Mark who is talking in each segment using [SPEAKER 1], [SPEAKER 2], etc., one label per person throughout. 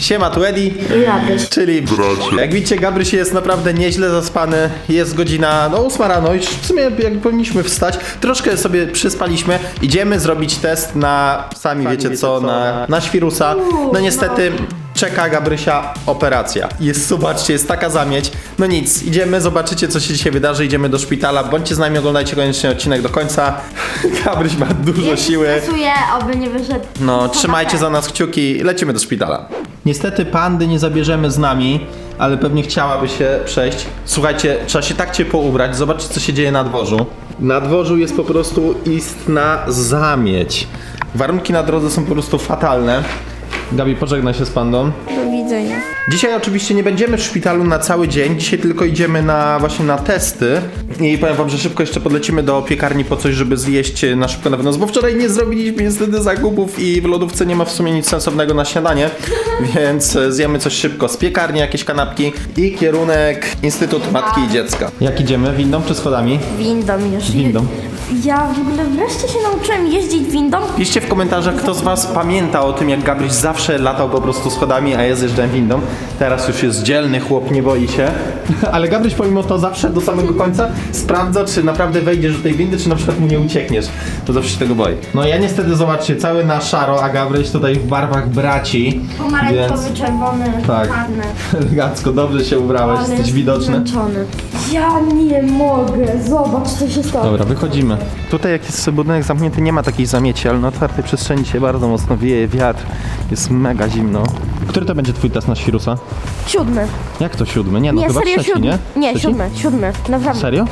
[SPEAKER 1] Siema, tu Edi.
[SPEAKER 2] I Gabryś.
[SPEAKER 1] Czyli jak widzicie, Gabryś jest naprawdę nieźle zaspany. Jest godzina 8 rano i w sumie jak powinniśmy wstać. Troszkę sobie przyspaliśmy. Idziemy zrobić test na, sami wiecie co, na świrusa. No niestety czeka Gabrysia operacja. Zobaczcie, jest taka zamieć. No nic, idziemy, zobaczycie co się dzisiaj wydarzy. Idziemy do szpitala. Bądźcie z nami, oglądajcie koniecznie odcinek do końca. Gabryś ma dużo siły.
[SPEAKER 2] Stresuję, oby nie wyszedł.
[SPEAKER 1] No, trzymajcie za nas kciuki, lecimy do szpitala. Niestety pandy nie zabierzemy z nami, ale pewnie chciałaby się przejść. Słuchajcie, trzeba się tak ciepło ubrać, zobaczcie co się dzieje na dworzu. Na dworzu jest po prostu istna zamieć. Warunki na drodze są po prostu fatalne. Gabi, pożegnaj się z pandą.
[SPEAKER 2] Do widzenia.
[SPEAKER 1] Dzisiaj oczywiście nie będziemy w szpitalu na cały dzień, dzisiaj tylko idziemy właśnie na testy i powiem wam, że szybko jeszcze podlecimy do piekarni po coś, żeby zjeść na szybko na wynos, bo wczoraj nie zrobiliśmy niestety zakupów i w lodówce nie ma w sumie nic sensownego na śniadanie, więc zjemy coś szybko z piekarni, jakieś kanapki i kierunek Instytut Matki i Dziecka. Jak idziemy? Windą czy schodami?
[SPEAKER 2] Windą już.
[SPEAKER 1] Windą.
[SPEAKER 2] Ja w ogóle wreszcie się nauczyłem jeździć windą.
[SPEAKER 1] Piszcie w komentarzach, kto z was pamięta o tym, jak Gabryś zawsze latał po prostu schodami, a ja zjeżdżałem windą. Teraz już jest dzielny chłop, nie boi się. Ale Gabryś pomimo to zawsze do samego końca sprawdza, czy naprawdę wejdziesz do tej windy, czy na przykład mu nie uciekniesz. To zawsze się tego boi. No ja niestety, zobaczcie, cały na szaro, a Gabryś tutaj w barwach braci.
[SPEAKER 2] Pomarańczowy, czerwony,
[SPEAKER 1] Tak.
[SPEAKER 2] czarny.
[SPEAKER 1] Elegancko, dobrze się ubrałeś,
[SPEAKER 2] Ale
[SPEAKER 1] jesteś widoczny.
[SPEAKER 2] zmęczony. Ja nie mogę, zobacz co się stało.
[SPEAKER 1] Dobra, wychodzimy. Tutaj jak jest budynek zamknięty, nie ma takiej zamieci, ale na otwartej przestrzeni dzisiaj bardzo mocno wieje wiatr. Jest mega zimno. Który to będzie twój test na świrusa?
[SPEAKER 2] 7.
[SPEAKER 1] Jak to 7? Nie, no
[SPEAKER 2] Nie,
[SPEAKER 1] chyba
[SPEAKER 2] serio
[SPEAKER 1] 3,
[SPEAKER 2] 7.
[SPEAKER 1] nie?
[SPEAKER 2] Nie,
[SPEAKER 1] Trzeci?
[SPEAKER 2] 7, naprawdę.
[SPEAKER 1] Serio?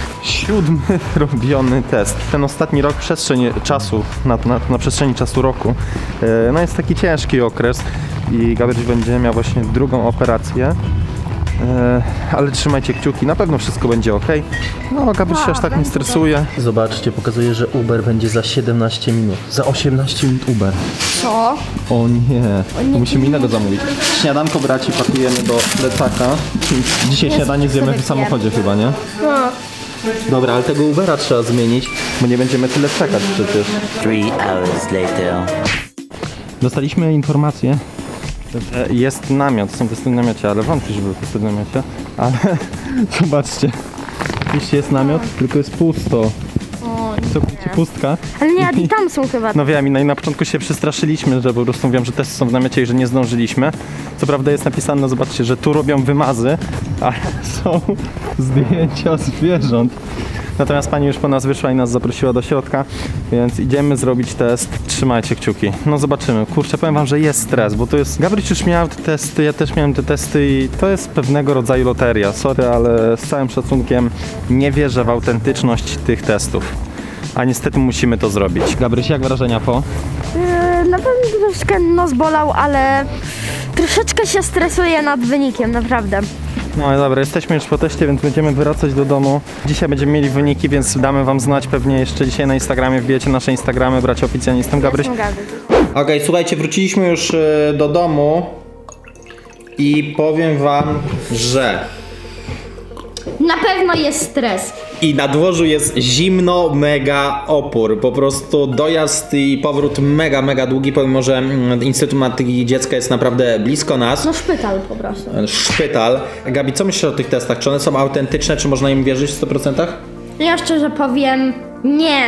[SPEAKER 1] 7 robiony test. Ten ostatni rok przestrzeń czasu, na przestrzeni czasu roku, no jest taki ciężki okres i Gabryś będzie miał właśnie drugą operację. Ale trzymajcie kciuki, na pewno wszystko będzie ok. No, Gabryś się aż tak nie stresuje. Zobaczcie, pokazuje, że Uber będzie za 17 minut. Za 18 minut Uber.
[SPEAKER 2] Co?
[SPEAKER 1] O nie, to musimy innego zamówić. Śniadanko braci pakujemy do plecaka. Dzisiaj śniadanie zjemy w samochodzie chyba, nie?
[SPEAKER 2] No.
[SPEAKER 1] Dobra, ale tego Ubera trzeba zmienić, bo nie będziemy tyle czekać przecież.
[SPEAKER 3] 3 hours later.
[SPEAKER 1] Dostaliśmy informację, że jest namiot, są testy w namiocie, ale wątpię, że były testy w namiocie. Ale zobaczcie, oczywiście jest namiot, tylko jest pusto.
[SPEAKER 2] O,
[SPEAKER 1] Całkowicie pustka.
[SPEAKER 2] ale nie, i tam są chyba.
[SPEAKER 1] No wiem, i na początku się przestraszyliśmy, że po prostu mówią, że testy są w namiocie i że nie zdążyliśmy. Co prawda jest napisane, no zobaczcie, że tu robią wymazy, ale są zdjęcia zwierząt. Natomiast pani już po nas wyszła i nas zaprosiła do środka, więc idziemy zrobić test. Trzymajcie kciuki. No zobaczymy. Kurczę, powiem wam, że jest stres, bo to jest... Gabryś już miał te testy, ja też miałem te testy i to jest pewnego rodzaju loteria. Sorry, ale z całym szacunkiem nie wierzę w autentyczność tych testów. A niestety musimy to zrobić. Gabryś, jak wrażenia po?
[SPEAKER 2] Na pewno troszkę nos bolał, ale troszeczkę się stresuję nad wynikiem, naprawdę.
[SPEAKER 1] No dobra, jesteśmy już po teście, więc będziemy wracać do domu. Dzisiaj będziemy mieli wyniki, więc damy wam znać pewnie jeszcze dzisiaj na Instagramie. Wbijecie nasze Instagramy, bracia oficjalnie, jestem Gabryś. Okej, słuchajcie, wróciliśmy już do domu i powiem wam, że
[SPEAKER 2] Na pewno jest stres.
[SPEAKER 1] i na dworzu jest zimno, mega opór. Po prostu dojazd i powrót mega długi, pomimo że Instytut Matki i Dziecka jest naprawdę blisko nas.
[SPEAKER 2] No szpital po prostu.
[SPEAKER 1] Szpital. Gabi, co myślisz o tych testach? Czy one są autentyczne? Czy można im wierzyć w 100%?
[SPEAKER 2] Ja szczerze powiem, nie.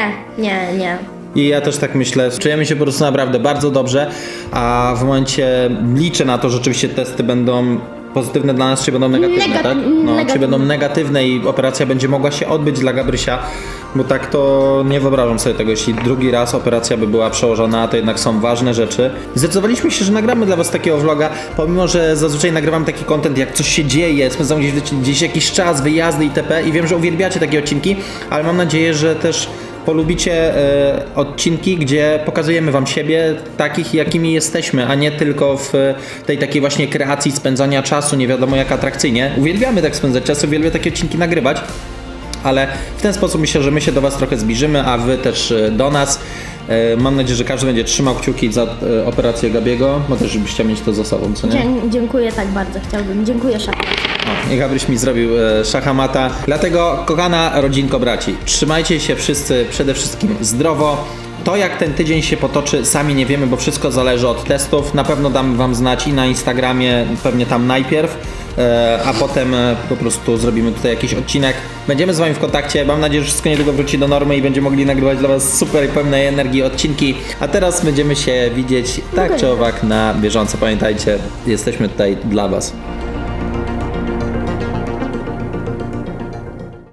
[SPEAKER 1] I ja też tak myślę, czujemy się po prostu naprawdę bardzo dobrze, a w momencie liczę na to, że rzeczywiście testy będą pozytywne dla nas, czy będą negatywne, tak? No, czy będą negatywne i operacja będzie mogła się odbyć dla Gabrysia, bo tak to nie wyobrażam sobie tego, jeśli drugi raz operacja by była przełożona, to jednak są ważne rzeczy. Zdecydowaliśmy się, że nagramy dla was takiego vloga, pomimo że zazwyczaj nagrywam taki content, jak coś się dzieje, spędzam gdzieś jakiś czas, wyjazdy itp. I wiem, że uwielbiacie takie odcinki, ale mam nadzieję, że też polubicie odcinki, gdzie pokazujemy wam siebie takich, jakimi jesteśmy, a nie tylko w tej takiej właśnie kreacji spędzania czasu, nie wiadomo jak atrakcyjnie. Uwielbiamy tak spędzać czas, uwielbiamy takie odcinki nagrywać, ale w ten sposób myślę, że my się do was trochę zbliżymy, a wy też do nas. Mam nadzieję, że każdy będzie trzymał kciuki za operację Gabiego, bo też byś chciał mieć to za sobą, co nie?
[SPEAKER 2] Dziękuję tak bardzo, chciałbym. Dziękuję, szef.
[SPEAKER 1] I Gabryś mi zrobił szachamata. Dlatego, kochana rodzinko braci, trzymajcie się wszyscy przede wszystkim zdrowo To jak ten tydzień się potoczy, sami nie wiemy, bo wszystko zależy od testów. Na pewno dam wam znać i na Instagramie, pewnie tam najpierw, a potem po prostu zrobimy tutaj jakiś odcinek. Będziemy z wami w kontakcie. Mam nadzieję, że wszystko niedługo wróci do normy i będziemy mogli nagrywać dla was super pełnej energii odcinki. A teraz będziemy się widzieć tak czy owak na bieżąco. Pamiętajcie, jesteśmy tutaj dla was.